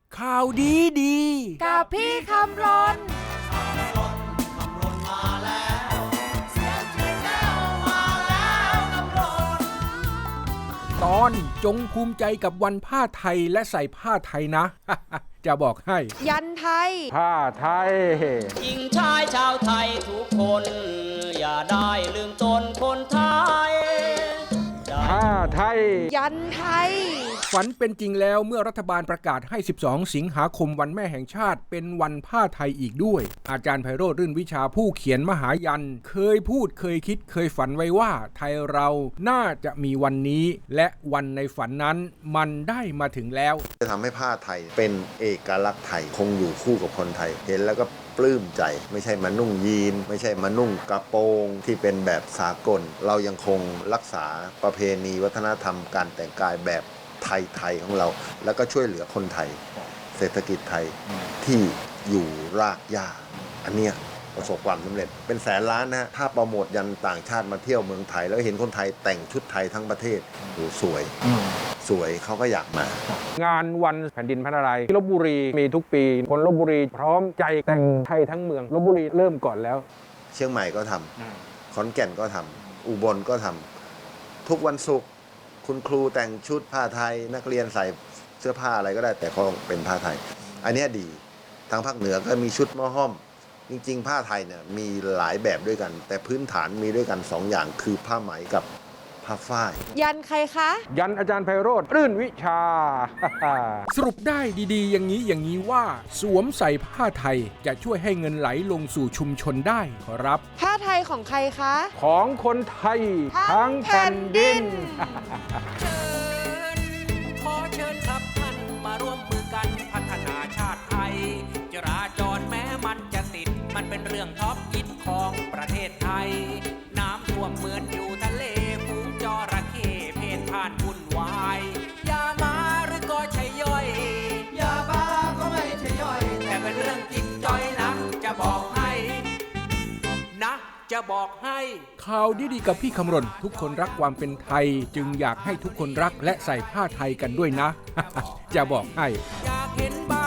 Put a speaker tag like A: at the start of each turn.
A: ข่าวดีดี
B: กับพี่คำรน
A: ตอนจงภูมิใจกับวันผ้าไทยและใส่ผ้าไทยนะ จะบอกให้
B: ยันไทย
A: ผ้าไทย
C: หญิงชายชาวไทยทุกคน อย่าได้ลืมตนคนไทย
A: ผ้าไทย
B: ยันไทย
A: ฝันเป็นจริงแล้วเมื่อรัฐบาลประกาศให้12สิงหาคมวันแม่แห่งชาติเป็นวันผ้าไทยอีกด้วยอาจารย์ไพโรจน์รื่นวิชาผู้เขียนมหายันเคยพูดเคยคิดเคยฝันไว้ว่าไทยเราน่าจะมีวันนี้และวันในฝันนั้นมันได้มาถึงแล้ว
D: จะทำให้ผ้าไทยเป็นเอกลักษณ์ไทยคงอยู่คู่กับคนไทยเห็นแล้วก็ปลื้มใจไม่ใช่มานุ่งยีนไม่ใช่มานุ่งกระโปรงที่เป็นแบบสากลเรายังคงรักษาประเพณีวัฒนธรรมการแต่งกายแบบไทยของเราแล้วก็ช่วยเหลือคนไทยเศรษฐกิจไทยที่อยู่รากหญ้าอันเนี้ยประสบความสำเร็จเป็นแสนล้านนะถ้าโปรโมทยันต่างชาติมาเที่ยวเมืองไทยแล้วเห็นคนไทยแต่งชุดไทยทั้งประเทศโหสวยเขาก็อยากมาง
A: านวันแผ่นดินพระนารายณ์ที่ลพบุรีมีทุกปีคนลพบุรีพร้อมใจแต่งไทยทั้งเมืองลพบุรีเริ่มก่อนแล้ว
D: เชียงใหม่ก็ทำขอนแก่นก็ทำอุบลก็ทำทุกวันศุกร์คุณครูแต่งชุดผ้าไทยนักเรียนใส่เสื้อผ้าอะไรก็ได้แต่เขาเป็นผ้าไทยอันนี้ดีทางภาคเหนือก็มีชุดหม้อห้อมจริงๆผ้าไทยเนี่ยมีหลายแบบด้วยกันแต่พื้นฐานมีด้วยกัน2อย่างคือผ้าไหมกับผ้าฝ้าย
B: ยันใครคะ
A: ยันอาจารย์ไพโรจน์รื่นวิชา สรุปได้ดีๆอย่างนี้ว่าสวมใส่ผ้าไทยจะช่วยให้เงินไหลลงสู่ชุมชนได้ขอรับ
B: ผ้าไทยของใครคะ
A: ของคนไทยทั้งแผ่นดิน
E: ขอเชิญครับท่านมาร่วมมือกันพัฒนาชาติไทยจราจรแม้มันจะติดมันเป็นเรื่องท็อปฮิตของประเทศไทยน้ำท่วมเหมือนอยู่ทะเลฝูงจระเข้เพนพ่านวุ่นวายยามาหรือก็ใช่ย่อยยาบ้าก็ไม่ใช่ย่อยแต่เป็นเรื่องจิตจ้อยนะจะบอกให้นะจะบอกให้
A: ข่าวดีๆกับพี่คำรณทุกคนรักความเป็นไทยจึงอยากให้ทุกคนรักและใส่ผ้าไทยกันด้วยนะ จะบอกให้
E: อยากเห็นใบ